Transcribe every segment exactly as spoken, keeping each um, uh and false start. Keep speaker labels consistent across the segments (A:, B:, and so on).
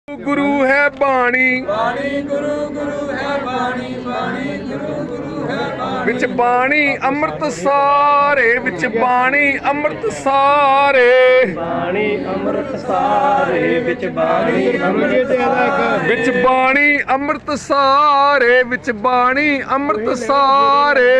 A: गुरु है बाणी
B: बाणी गुरु गुरु है बाणी बाणी गुरु गुरु है बाणी
A: विच बाणी अमृत सारे विच बाणी अमृत सारे
C: बाणी अमृत सारे विच बाणी अमृत सारे
A: विच बाणी अमृत सारे विच बाणी अमृत सारे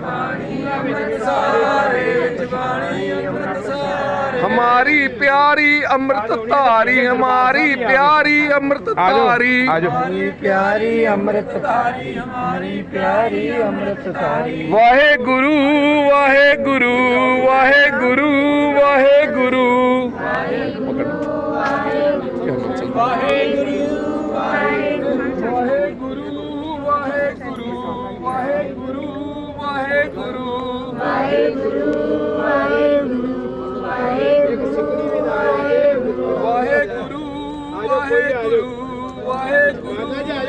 A: हमारी प्यारी अमृत धारी हमारी प्यारी अमृत धारी
C: हमारी प्यारी अमृत धारी हमारी प्यारी अमृत धारी
A: वाहे गुरु वाहे गुरु वाहे गुरु वाहे गुरु
B: वाहे गुरु वाहे गुरु वाहे गुरु
A: वाहे गुरु वाहे गुरु वाहे गुरु वाहे गुरु
B: वाहे गुरु वाहे गुरु वाहे गुरु
A: वाहे गुरु वाहे गुरु वाहे गुरु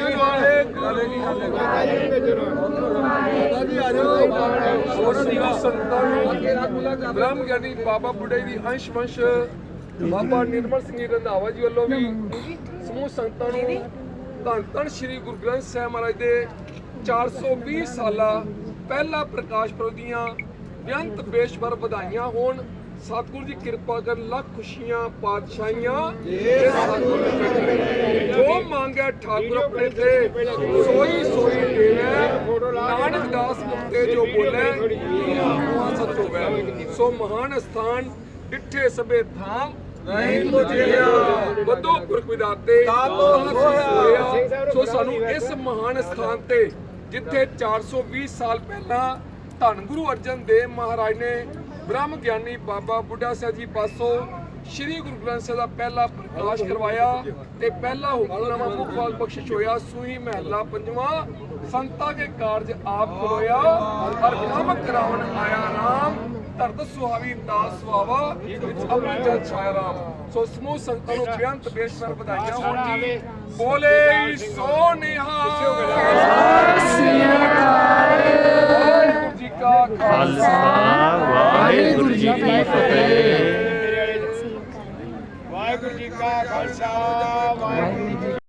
A: ब्रह्म ज्ञानी बाबा बुढ़े दी अंश वंश बाबा निर्मल सिंह रंधावा जी वालों भी समूह संगतां नूं धन धन श्री गुरु ग्रंथ साहिब महाराज दे चार सौ बीस साला पहला प्रकाश पुरब दीआं बेअंत बेशबर ਵਧਾਈਆਂ होण। सतगुरु की कृपा कर लख खुशियां पातशाहियां जो मांगे ठाकुर अपने थे सोई सोई देवे नानक दास मुक्ते जो बोले सच होवे सो महान स्थान डिठे सबे धाम बदो पुरख विदाते सो सानू इस महान स्थान ते जिथे चार सौ बीस साल पहला धन गुरु अर्जन देव महाराज ने ब्रह्म ज्ञानी बाबा बुढ़ा साहब जी पासों श्री गुरु ग्रंथ साहिब का पहला प्रकाश करवाया ते पहला हुक्मनामा मुखपाल बख्शिश होया सूही महला पंजवा संता के कारज आप खलोया और काम करावन आया राम धरत सुहावी दास सुहावा अमृत जल छाया राम। सो समूह संतां नूं बेअंत बेशबर ਵਧਾਈਆਂ होण जी बोले सो निहाल वाहिगुरू जी का खालसा
C: वाहिगुरू जी की फतेह।
B: वाहिगुरू जी का खालसा वाहिगुरू